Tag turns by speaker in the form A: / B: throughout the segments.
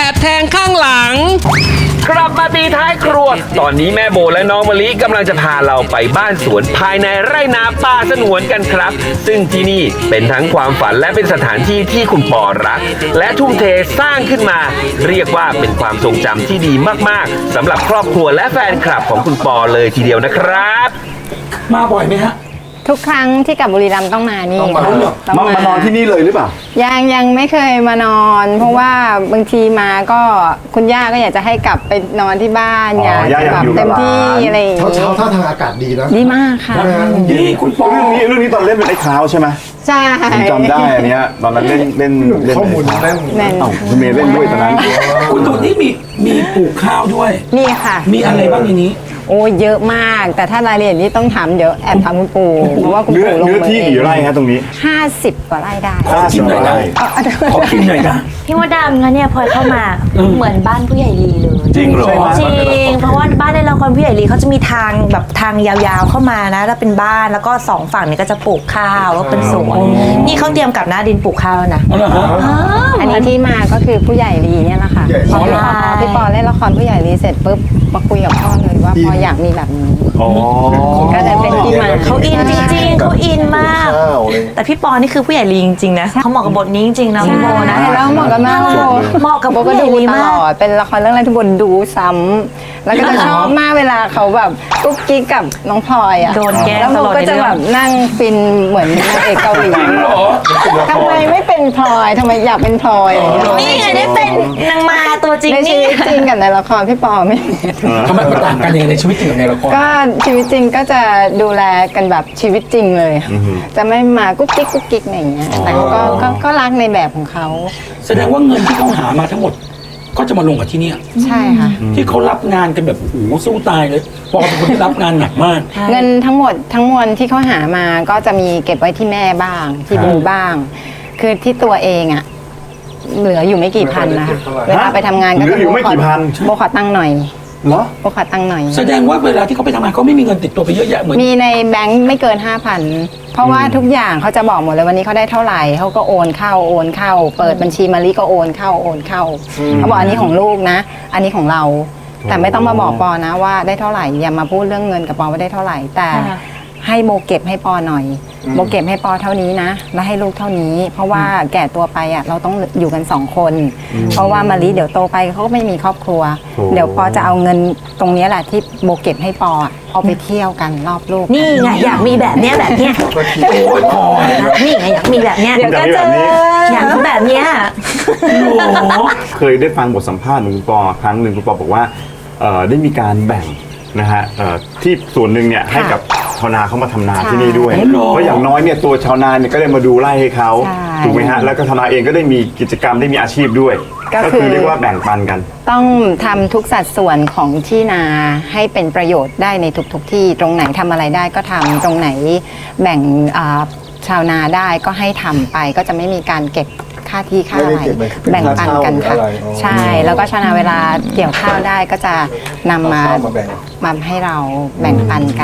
A: อบแทงข้างหลัง
B: กลับมาตีท้ายครัว ตอนนี้แม่โบและน้องมะลิกำลังจะพาเราไปบ้านสวนภายในไร่นาป่าสงวนกันครับ ซึ่งที่นี่เป็นทั้งความฝันและเป็นสถานที่ที่คุณปอรัก และทุ่มเทสร้างขึ้นมา เรียกว่าเป็นความทรงจำที่ดีมากๆสำหรับครอบครัวและแฟนคลับของคุณปอเลยทีเดียวนะครับ
C: มาบ่อยไหมฮะ
D: ทุกครั้งที่กลับบุรีรัมย์ต้องมานี่ค่ะต้อง
E: มานอนที่นี่เลยหรือเปล่า
D: ยังไม่เคยมานอน เพราะว่าบางทีมาก็คุณย่าก็อยากจะให้กลับไปนอนที่บ้าน
E: อ๋อ
D: อยาก
E: ย่าอยาก
D: แบบ
E: อยู่กับ
D: เต็มที่
E: หลาน
D: อะไรอย่าง
F: เช้า
D: งี้
F: ท่าทางอากาศดีนะ
D: ดีมากค่ะ
C: นี่คุณปอ
E: เรื่องนี้ตอนเล่นเป็นไอ้ขาวใช่ไหม
D: ใช่
E: ผมจำได้อันเนี้ยตอนนั้นเล่น
F: ข้อมูล
E: ไอ้ขาว
F: แน่น
D: แน่น
E: เอ้าคุณเมย์เล่นด้วยตอนนั้น
C: คุณดูนี่มีปลูกข้าวด้วย
D: นี่ค่ะ
C: มีอะไรบ้างในนี้
D: โอ้เยอะมาก แต่ถ้ารายละเอียดนี้ต้องถามเดี๋ยวแอบถามคุณปู่เพราะว่าคุณ
E: เนื้อ
D: ปู่ลง
E: เนื้อ
D: มือ
E: ที่
D: เอ
E: กี่
D: ง
E: ไร่ฮะตรงนี้
D: 50 กว่าไร่ได้
C: ขอชิมหน่อยนะ ขอกินหน่อยนะ
G: พี่มดดำนะเนี่ยพลอยเข้ามาเหมือนบ้านผู้ใหญ่ลีเลย
C: จริงเหรอ
G: จริงเพราะว่าบ้านในละครผู้ใหญ่ลีเขาจะมีทางแบบทางยาวๆเข้ามานะแล้วเป็นบ้านแล้วก็สองฝั่งนี้ก็จะปลูกข้าวแล้วเป็นสวนนี่เขาเตรียมกับหน้าดินปลูกข้าวแล้วนะ
C: เอาเหรอฮะ
D: อันนี้ที่มาก็คือผู้ใหญ่ลีเนี่ยแหละค่ะ
F: ผู้
D: พ
F: ใหญ่ลี
D: อพี่ปอเล่นละครผู้ใหญ่ลีเสร็จปุ๊บมาคุยกับพ่อเลยว่าพ่ออยากมีแบบนี้
E: อ๋อ
D: ก็เลยเป็นที่มา
G: เขาอินจริงๆเขาอินมาก
F: ข้าวเลย
G: แต่พี่ปอนี่คือผู้ใหญ่ลีจริงๆนะเขาเหมาะกับบทนี้จริงๆนะพี่โบนะ
D: ใช่แล้วเหมาะกับมากโบ
G: เหมาะกับ
D: โบก็
G: ผู้ใหญ่
D: ดู
G: ลี
D: ต
G: มา
D: ล
G: ก
D: อดเป็นละครเรื่องแรกที่โบดูซ้ำแล้วก็จะชอบมากเวลาเขาแบบกุ๊กกิ๊กกับน้องพลอยอ่ะ
G: โดนแกล้ง
D: แล้วโบ
G: ตลอด
D: ก็
G: ใน
D: จะ
G: เรื่อง
D: แบบนั่งฟินเหมือนนางเอกเกาหลี
C: เหรอ
D: ทำไมไม่เป็นพลอยทำไมอยากเป็นพลอยอะไรอย่างเงี้ย
G: นี่ไงได้เป็นนางมาตัวจริง
D: ในชี
G: นี่
D: วิตจริงกับในละครพี่ปอไม่
C: ทำไมมันต่างกันยังไงในชีวิตจริงกับในละคร
D: ก็ชีวิตจริงก็จะดูแลกันแบบชีวิตจริงเลยค่ะจะไม่มากุ๊กกิ๊กกุ๊กกิ๊กอะไรอย่างเงี้ยแต่เขาก็รักในแบบของเขา
C: แสดงว่าเงินที่เขาหามาทั้งหมด ก็จะมาลงกับที่เนี่ย
D: ใช่ค่ะ
C: ที่เขารับงานกันแบบโอ้โหสู้ตายเลยปอเป็นคนที่รับงานหนักมาก
D: เงินทั้งหมดทั้งมวลที่เขาหามาก็จะมีเก็บไว้ที่แม่บ้างที่บูบ้าง คือที่ตัวเองอะเหลืออยู่ไม่กี่พันนะคะเวลาไปทำงานก็
E: เหลื
D: จะ
E: ออยู่ไม่กี่พัน
D: โบขอตังค์หน่อย
E: เหรอ
D: โบขอตังค์หน่อย
C: แสดงว่าเวลาที่เขาไปทำงานเขาไม่มีเงินติดตัวไปเยอะแยะเหมือน
D: มีในแบงค์ไม่เกิน 5,000 เพราะว่าทุกอย่างเขาจะบอกหมดเลยวันนี้เขาได้เท่าไหร่เขาก็โอนเข้าเปิดบัญชีมาลิก็โอนเข้าเขาบอกอันนี้ของลูกนะ อันนี้ของเรา แต่ไม่ต้องมาบอกปอนะว่าได้เท่าไหร่อย่ามาพูดเรื่องเงินกับปอว่าได้เท่าไหร่ แต่ให้โบเก็บให้ปอหน่อยโบเก็บให้ปอเท่านี้นะแล้วให้ลูกเท่านี้ เพราะว่าแก่ตัวไปอ่ะเราต้องอยู่กัน2 คน เพราะว่ามาลิเดี๋ยวโตไปเขาก็ไม่มีครอบครัว เดี๋ยวปอจะเอาเงินตรงนี้แหละที่โบเก็บให้ปออะเอาไปเที่ยวกันรอบโลก
G: นี่ไงอยากมีแบบเนี้ย
C: โอ้ยพอ
G: นี่ไงอยากมีแบบเนี้ย
D: เดี๋ยวก็เจอ
G: อยากมีแบบเนี้ย
C: โอ้โห
E: เคยได้ฟังบทสัมภาษณ์ของคุณปอครั้งหนึ่งคุณปอบอกว่าได้มีการแบ่งนะฮะที่ส่วนหนึ่งเนี่ยให้กับชาวนาเขามาทำนาที่นี่ด้วย เพราะอย่างน้อยเนี่ยตัวชาวนาเนี่ยก็ได้มาดูไร่ให้เขา
D: ใช่
E: ถูกไหมฮะแล้วก็ชาวนาเองก็ได้มีกิจกรรมได้มีอาชีพด้วย
D: ก็คือ
E: เรียกว่าแบ่งปันกัน
D: ต้องทำทุกสัดส่วนของที่นาให้เป็นประโยชน์ได้ในทุกที่ตรงไหนทำอะไรได้ก็ทำตรงไหนแบ่งชาวนาได้ก็ให้ทำไปก็จะไม่มีการเก็บค่าที่ค่าอะไร
F: ไม่ได้เก็บเป็น
D: แบ่งปันกันค่ะ
F: ค่าเช่าหรืออะไรอ๋อ
D: ใช่แล้วก็ชาวนาเวลาเกี่ยวข้าวได้ก็จะนำมา
F: เอาข้าวมาแบ่ง
D: มาให้เราแบ่งปันกัน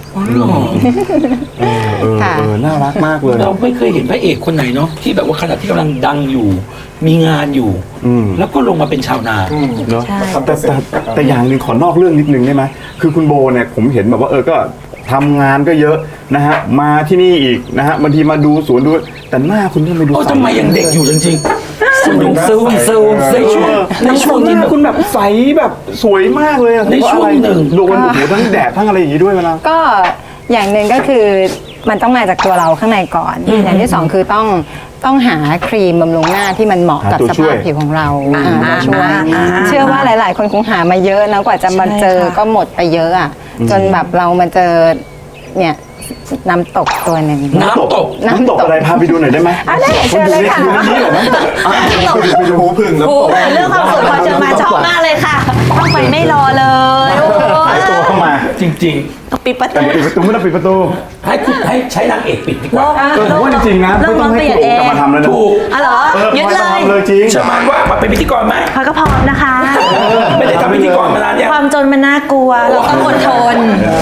D: ค่ะ
E: น่ารักมากเลย
C: เราไม่เคยเห็นพระเอกคนไหนเนาะที่แบบว่าขณะที่กำลังดังอยู่ มีงานอยู่ แล้วก็ลงมาเป็นชาวนา
E: เนาะ
G: ใช่
E: แต่อย่างหนึ่งขอนอกเรื่องนิดนึงได้ไหมคือคุณโบเนี่ยผมเห็นแบบว่าก็ทำงานก็เยอะนะฮะมาที่นี่อีกนะฮะบางทีมาดูสวนดูแต่หน้าคุณทำไมดู
C: โอ้ทำไมยังเด็กอยู่จริงๆซูมในช่วงที่
E: หน้าคุณแบบใสแบบสวยมากเลยอะ
C: ในช่วงหนึ่ง
E: โดนโอ้โหทั้งแดดทั้งอะไรอย่างนี้ด้วยเวลา
D: ก็อย่างหนึ่งก็คือมันต้องมาจากตัวเราข้างในก่อน อย่างที่สองคือต้องหาครีมบำรุงหน้าที่มันเหมาะกับ
E: หาตัว
D: ส
E: ช่ว
D: ภาย พผิวของเรามาช่วย เชื่อว่าหลาย ๆ คนคงหามาเยอะนะกว่าจะมาเจอก็หมดไปเยอะอ่ะจนแบบเรามาเจอเนี่ยน้ำตกตัวหนึ่ง
C: น้ำตก
E: น้ำตกอะไรพาไปดูหน่อยได้ไหม
D: ได้เชิญเลยค่ะ
E: ดูในนี้เหรอนะ
F: ไปดูหูพึ่งแล้ว
G: โอ้โหเรื่องความสุขพอเจอมาชอบมากเลยค่ะต้องไปไม่รอเลยโอ้โห
E: หายตัวเข้ามา
C: จริง
G: ปิดประ
E: แต่
G: ตู
E: ปิดประตูไม่ต้องปิดประตู
C: ๆ ให้ใช้นางเอกปิดดีกว่า
E: ผมว่าจริงๆนะไม่ต้องให้คุณโอ๋กลับมาทำแล้วนะ
C: ถูก
G: อ๋อเหรอยึดเลย
E: ทำเลยจริง
C: ชมานว่ามาเป็นพิธีกรไหม
G: พลอยก็พร้อมนะคะ
C: ไม่ได้ทำพิธีกรมานานเนี่ย
G: ความจนมันน่ากลัวเราต้องอดทน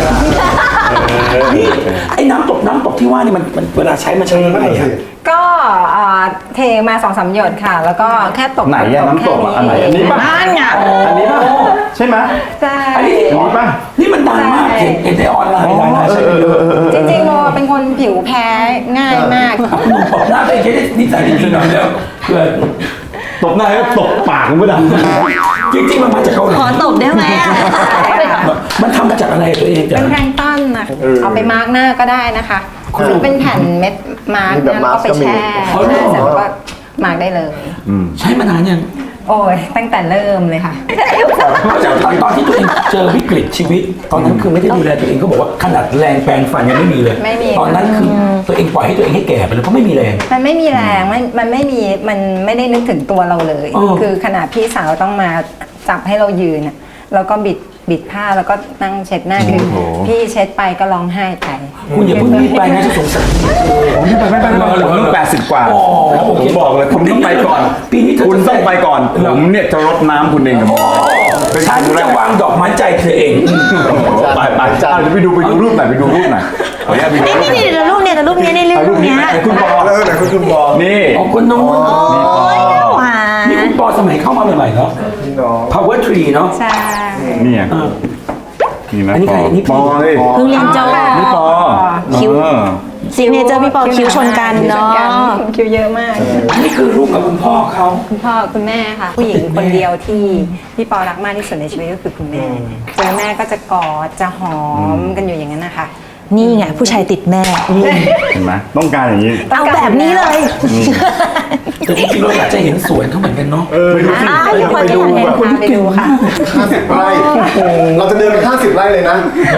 C: นี่ไอ้น้ำตกที่ว่านี่มันเวลาใช้มันใช้ยังไงอะ
D: ก็เทมา2-3 หยดค่ะ แล้วก็แค่ตก
E: ไหนอะน้ำตกอะอันไหนอันนี้ป่ะ
D: นั่นไง
E: อันนี้ป่ะใช่ไหม
D: ใช่
C: อันนี้
E: อันนี้ป่ะ
C: นี่มันดังมากเห็นในออนไลน์หลายๆใช่ไหม
D: จริงๆโมเป็นคนผิวแพ้ง่ายมาก
C: หนุ่มตบหน้าไปแค่นิสัยดีๆหน่อยแล้วเพื่อน
E: ตบหน้าแล้วตบปากคุณผู้ดำ
C: จริงๆมันมาจากเกาหลี
G: ขอตบได้ไหมอะ
C: มันทำมาจากอะไรตัวเองจ้ะ
D: เป็นแพลงก์ต้นนะเอาไปมาร์กหน้าก็ได้นะคะหรือเป็นแผ่นเม็ดมาร์กหน้าแล้วก็ไปแช่เสร็จแล้วก็มาร์กได้เลย
C: ใช้มานานยัง
D: โอ้ยตั้งแต่เริ่มเลยค่ะ
C: ตอนที่ตัวเองเจอวิกฤตชีวิต ตอนนั้นคือไม่ได้ดูแลตัวเองเขาบอกว่าขนาดแรงแปรงฟันยังไม่มีเลย
D: ไม่มี
C: ตอนนั้นคือตัวเองปล่อยให้ตัวเองให้แก่ไปเลยเพราะไม่มีแรง
D: มันไม่มีแรงมันไม่มีมันไม่ได้นึกถึงตัวเราเลย
C: อ๋อ
D: คือขนาดพี่สาวต้องมาจับให้เรายืนน่ะแล้วก็บิดผ้าแล้วก็นั่งเช็ดหน้าคือพี่เช็ดไปก็ร้องไห้ไป
C: คุณอย่าเพิ่งรีบไปนะจะสงสาร
E: ผมนี่ไปไม่ไปผมต้อง80 กว่า
C: อ๋อโอเค
E: ผมบอกเลยคุณต้องไปก่อน
C: ปีนี้เธอ
E: คุณ
C: จะ
E: ต้องไปก่อน ผมเนี่ยจะรดน้ำคุณเองกับ
C: ฉันจะวางดอกไม้ใจเธอเอง
E: ไปไปดูรูปหน่อยไปดูรูปหน่อยขออนุญาตไปดูรูป
G: นี่แต่รูปเนี่ยรูปเนี้ย
E: ไหนคุณปอ
F: แล้วไหนคุณบอก
E: นี่
C: อ๋อคนน้อง
G: โอ้ยหวาน
C: นี่คุณปอสมัยเข้ามาใหม่ๆเนาะ
F: พี่น้อง
C: Power Tree เนาะ
D: ใช่
E: เนี่ย
C: เออ
E: นี่นะ
C: อันนี้ใครอันนี้
E: ปอเลย
G: เพิ่งเรียนจบ
E: นี่ปอ
G: คิ้ว
E: เออ
G: ซิกเนเจอร์พี่ปอคิ้วชนกันเนาะ
D: คิวเยอะมาก
C: นี่คือรูปกับคุณพ่อเขา
D: คุณพ่อคุณแม่ค่ะ ผู้หญิงคนเดียวที่พี่ปอรักมากที่สุดในชีวิตก็คือคุณแม่เจอแม่ก็จะกอดจะหอมกันอยู่อย่างนั้นนะคะ
G: นี่ไงผู้ชายติดแม่
E: เห็นไหมต้องการอย่างนี้
G: เอาแบบนี้เลย
C: แต่จริงๆเราอยากจะเห็นสวนเขาเหมือนกันเนาะ
E: ไปดูสิ
G: อ้าวทุกคนจะอยากเห็น
D: ไปดูค่ะ
F: 50 ไร่ เราจะเดินไป50 ไร่เลยนะ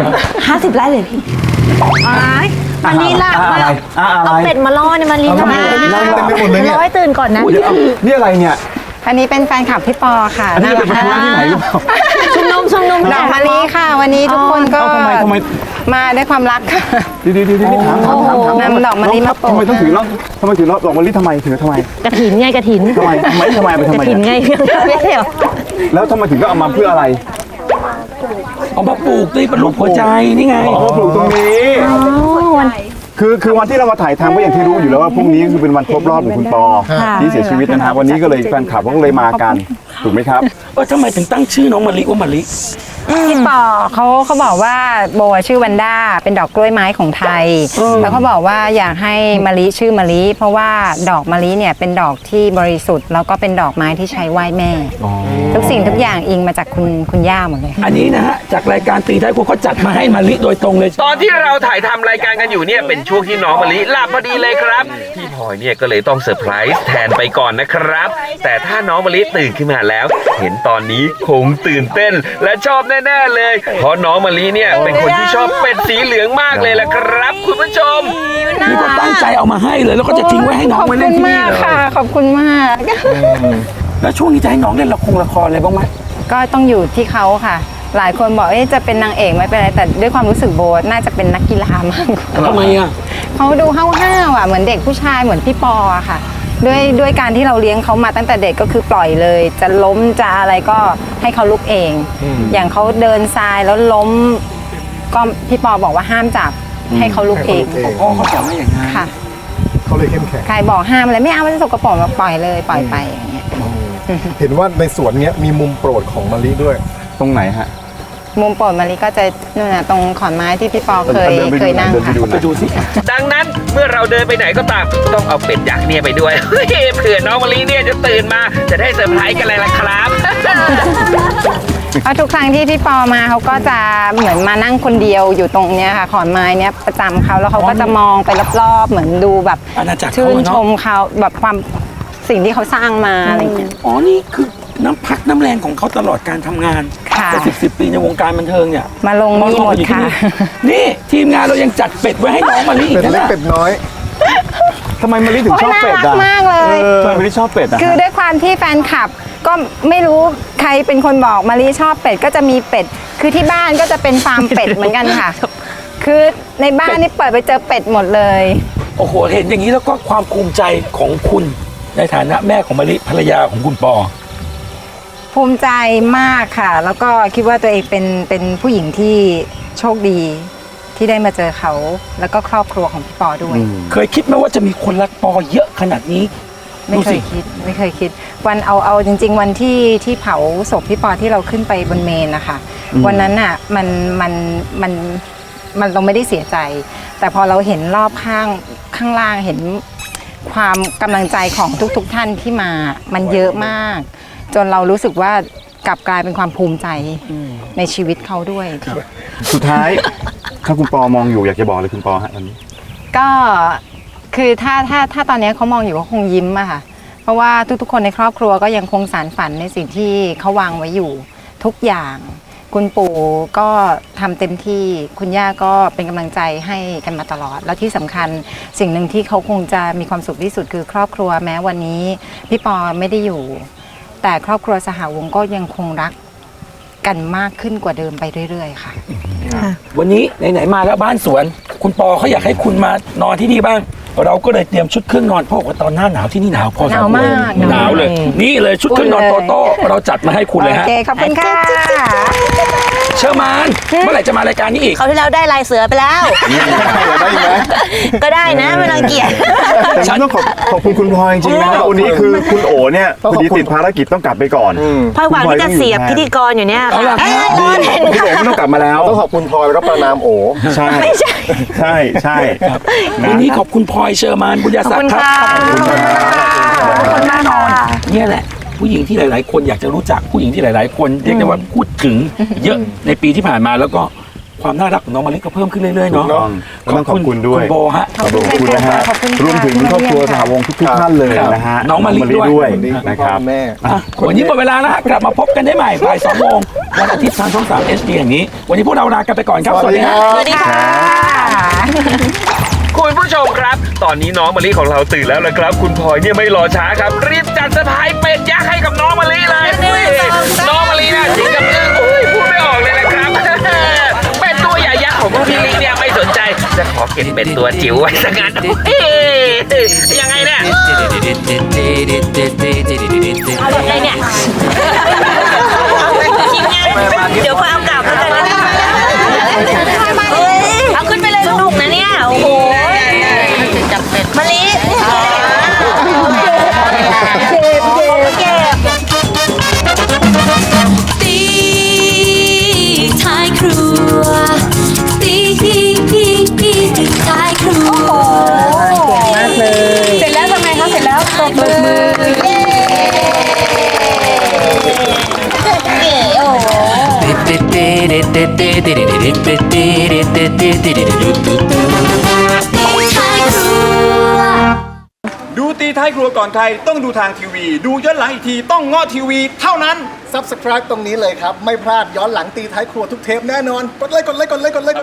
G: 50 ไร่เลยพี่มันลีลา
E: อะไรอะไร
G: เอาเป็ดมาล่อเนี่ยมันลีลา
F: เต็มไปหมดเลยเนี่ย
G: ร้อยตื่นก่อนนะ
E: เดี๋ยวนี่อะไรเนี่ย
D: อันนี้เป็นแฟนคลับพี่ปอค่ะ
E: อันนี้
D: น่า
E: จะ
D: รัก
E: ไปธุระที่ไหนหรือเปล่า
G: ชุมนุม
D: ดอกมะลิค่ะ วันนี้ทุกคนก็
E: ทำไม
D: มาด้วยความรักค่ะ
E: ดีถาม
D: นำดอกมะลิมาโปร
E: ทำ
D: ย
E: ไมต้องถือดอกมะลิทำไมถือทำไม
G: กระถินไงกระถิน
E: ทำไมไป
G: ก
E: ทำ
G: ระ
E: ไม
G: ถินไงไม่ใช่เหรอ
E: แล้วทำไมถึงก็เอามาเพื่ออะไร
C: เอามาปลูกนี่เป็นรูปหัวใจนี่ไง
E: อ๋อปลูกตรงนี้
G: วัน
E: คือวันที่เรามาถ่ายทำก็อย่างที่รู้อยู่แล้วว่าพรุ่งนี้คือเป็นวันครบรอบของคุณปอ
G: ค่ะ
E: ที่เสียชีวิตนะฮะวันนี้ก็เลยแฟนคลับก็เลยมากันถูกไหมครับ
C: ทำไมถึงตั้งชื่อน้องมะลิว่ามะลิ
D: พี่ปอเขาบอกว่าโบชื่อวันด้าเป็นดอกกล้วยไม้ของไทย แล้วเขาบอกว่าอยากให้มะลิชื่อมะลิ เพราะว่าดอกมะลิเนี่ยเป็นดอกที่บริสุทธิ์แล้วก็เป็นดอกไม้ที่ใช้ไหว้แม่ ทุกสิ่งทุกอย่างอิงมาจากคุณย่าหมดเลย
C: อันนี้นะฮะจากรายการตีท้ายครัวเขาจัดมาให้มะลิโดยตรงเลย
B: ตอนที่เราถ่ายทำรายการกันอยู่เนี่ยเป็นช่วงที่น้องมะลิหลับพอดีเลยครับ พี่พลอยเนี่ยก็เลยต้องเซอร์ไพรส์แทนไปก่อนนะครับ แต่ถ้าน้องมะลิตื่นขึ้นมาแล้ว เห็นตอนนี้คงตื่นเต้นและชอบแน่ๆเลย เพราะน้องมะลิเนี่ยเป็นคนที่ชอบเป็ดสีเหลืองมากเลยล่ะครับ คุณผู้ชม
C: นี่ก็ตั้งใจเอามาให้เลย แล้วก็จะทิ้งไว้ให้น้องไว้เล่นที่นี่เลย
D: ขอบคุณมาก
C: แล้วช่วงนี้จะให้น้องเล่นละครอะไรบ้างไหม
D: ก็ต้องอยู่ที่เขาค่ะ หลายคนบอกจะเป็นนางเอกไม่เป็นไรแต่ด้วยความรู้สึกโบน่าจะเป็นนักกีฬามากกว่า
C: ทำไมอ่ะ
D: เขาดูห้าวๆอ่ะเหมือนเด็กผู้ชายเหมือนพี่ปออะค่ะด้วยการที่เราเลี้ยงเขามาตั้งแต่เด็กก็คือปล่อยเลย จะล้มจะอะไรก็ให้เขาลุกเอง อย่างเขาเดินทรายแล้วล้ม ก็พี่ปอบอกว่าห้ามจับให้เขาลุกเอง
C: พ่อเขาสอนมาอย่างนั้น
D: ค่ะ
F: เขาเลยเข้มแข็ง
D: ใครบอกห้ามอะไรไม่เอามันจะสกปรกมาปล่อยเลยปล่อยไปอย่างเงี้ย
F: เห็นว่าในสวนเนี้ยมีมุมโปรดของมะลิด้วย
E: ตรงไหนฮะ
D: มุมโปรดมาริก็จะนู่นน่ะตรงขอนไม้ที่พี่ปอเคย
E: เดินไปดู
D: เคยนั่ง
E: เดินไป
D: ค่ะ
E: ดู
C: ไปดูสิ
B: ดังนั้นเมื่อเราเดินไปไหนก็ตามต้องเอาเป็ดยักษ์เนี่ยไปด้วย เฮ้ยเผื่อน้องมะลิเนี่ยจะตื่นมาจะได้เซอร์ไพรส์กันเลยล่ะครับ
D: เพราะทุกครั้งที่พี่ปอมาเขาก็จะเหมือนมานั่งคนเดียวอยู่ตรงเนี้ยค่ะขอนไม้เนี้ยประจำเขาแล้วเขาก็จะมองไปรอบๆเหมือนดูแบบ
C: อาณาจักรเขา
D: ชื่น
C: อะเนอะ
D: ชมเขาแบบความสิ่งที่เขาสร้างมาอะไรอย่างเงี้ย
C: อ๋อ นี่คือน้ำพักน้ำแรงของเขาตลอดการทำงาน
D: ค่ะ
C: จะสิบปีในวงการบันเทิงเนี่ย
D: มาลงนี่หมดค่ะ
C: นี่ทีมงานเรายังจัดเป็ดไว้ให้น้องมะลิอีก
F: เป็ด
C: นะ
F: เล็กเป็ดน้อย
E: ทำไมมะลิถึงชอบเป็ดอ่ะ
D: น่ารักมากเลย
E: ทำไมมะลิชอบเป็ดอ่ะ
D: คือด้วยความที่แฟนคลับก็ไม่รู้ใครเป็นคนบอกมารีชอบเป็ดก็จะมีเป็ด คือที่บ้านก็จะเป็นฟาร์มเป็ดเหมือนกันค่ะ คือในบ้านนี่เปิดไปเจอเป็ดหมดเลย
C: โอ้โห เห็นอย่างนี้แล้วก็ความภูมิใจของคุณในฐานะแม่ของมะลิภรรยาของคุณปอ
D: ภูภูมิใจมากค่ะ แล้วก็คิดว่าตัวเองเป็นผู้หญิงที่โชคดีที่ได้มาเจอเขาแล้วก็ครอบครัวของพี่ปอด้วย
C: เคยคิดไหมว่าจะมีคนรักปอเยอะขนาดนี้
D: ไม่เคยคิดไม่เคยคิด วันเอาจริง ๆ วันที่เผาศพพี่ปอที่เราขึ้นไปบนเมนนะคะวันนั้นน่ะมันเราไม่ได้เสียใจ แต่พอเราเห็นรอบข้างล่างเห็นความกำลังใจของทุกท่านที่มามันเยอะมาก จนเรารู้สึกว่ากลับกลายเป็นความภูมิใจในชีวิตเขาด้วย
E: สุดท้าย ถ้าคุณปอมองอยู่อยากจะบอกเลยคุณปอฮะตอนนี้
D: ก็คือถ้าตอนนี้เขามองอยู่ก็คงยิ้มอะค่ะ เพราะว่าทุกๆคนในครอบครัวก็ยังคงสานฝันในสิ่งที่เขาวางไว้อยู่ทุกอย่าง คุณปู่ก็ทำเต็มที่คุณย่าก็เป็นกำลังใจให้กันมาตลอด แล้วที่สำคัญสิ่งหนึ่งที่เขาคงจะมีความสุขที่สุดคือครอบครัวแม้วันนี้พี่ปอไม่ได้อยู่ แต่ครอบครัวสหวงศ์ก็ยังคงรักกันมากขึ้นกว่าเดิมไปเรื่อยๆค่ะ
C: วันนี้ไหนๆมาแล้วบ้านสวน คุณปอเขาอยากให้คุณมานอนที่นี่บ้าง เราก็เลยเตรียมชุดเครื่องนอนเพราะว่าตอนหน้าหนาวที่นี่หนาวพอสมควร
D: หนาวมาก
C: หนาวเลย นี่เลยชุดเครื่องนอนโตโต้เราจัดมาให้คุณเลย
D: โอ
C: ฮะ
D: เคขอบคุณค่ะ
C: เชอร์มานเมื่อไหร่จะมารายการนี้อีก
G: เขาวที่แล้วได้ลายเสือไปแล้ว
E: ได้ไหม
G: ก็ได้นะไม่รังเกียจ
E: แต่ฉันต้องขอบคุณคุณพลอยจริงๆนะครับวันนี้คือคุณโอเนี่ยพอดีติดภารกิจต้องกลับไปก่อน
G: พลอยหวังที่จะเสียบพิธีกรอยู่เนี่ย
C: เอาล่ะ
G: เอ้ย
E: ดีพี่โอไม่ต้องกลับมาแล้ว
F: ต้องขอบคุณพลอยแล้วก็ประนามโอ
E: ใช่ใช่ครับ
C: วันนี้ขอบคุณพลอยเชอร์มานบุญญา
G: ขอบ
C: ศัก
G: คุณ
C: ดิ์ครับ
G: ค่ะ
C: ขอบคุณแน่นอนเนี่ยแหละ ผู้หญิงที่หลาย ๆ คนอยากจะรู้จักผู้หญิงที่หลาย ๆ คนเรียกได้ว่าพูดถึงเยอะในปีที่ผ่านมาแล้วก็ความน่ารักของน้องมะลิก็เพิ่มขึ้นเรื่อย ๆ เนาะ
E: ถูกต้องต้องขอบคุณด้วย
C: คุณโบฮะ
E: ขอบคุณนะฮะ
D: ขอบคุณค่ะ
E: รวมถึงครอบครัวสหวงศ์ทุกๆท่านเลยนะฮะ
C: น้องมะลิด้วย
E: ด้วยนะครับ
F: แม่
C: อ่ะวันนี้หมดเวลาแล้วฮะกลับมาพบกันได้ใหม่บ่าย2 โมงวันอาทิตย์ทางช่อง 3 HD อย่างนี้ วันนี้พวกเราลากันไปก่อนครับ สวัสดีครับ
G: สวัสดีค่ะ
B: คุณผู้ชมครับ ตอนนี้น้องมะลิของเราตื่นแล้วนะครับ คุณพลอยเนี่ยไม่รอช้าครับ รีบจัดเซอร์ไพรส์เป็ดยักษ์ให้กับน้องมะลิเลยอุ้ยน้องมะลิน่ะถึงกับอึ้งอุ้ยพูดไม่ออกเลยนะครับ เป็ดตัวใหญ่ยักษ์ของพี่ลิเนี่ยไม่สนใจ จะขอเก็บเป็ดตัวจิ๋วไว้สักงั้นเฮ้ยยังไงเนี่ย
G: เอาแบบไหนเนี่ยทีมงานเดี๋ยวพอเอากลับแล้วกันนะเฮ้ยเอาขึ้นไปเลยสนุกนะเนี่ย โอ้โหมะลิเก็บ
A: ตีท้ายครัวตีท้ายครัว
D: เสร็จแล้วทำไงคะเสร็จแล้วตบมือ
H: ดูตีท้ายครัวก่อนใครต้องดูทางทีวี ดูย้อนหลังอีกทีต้องเงาะทีวีเท่านั้น
F: Subscribe ตรงนี้เลยครับ ไม่พลาดย้อนหลังตีท้ายครัวทุกเทปแน่นอน กดเลย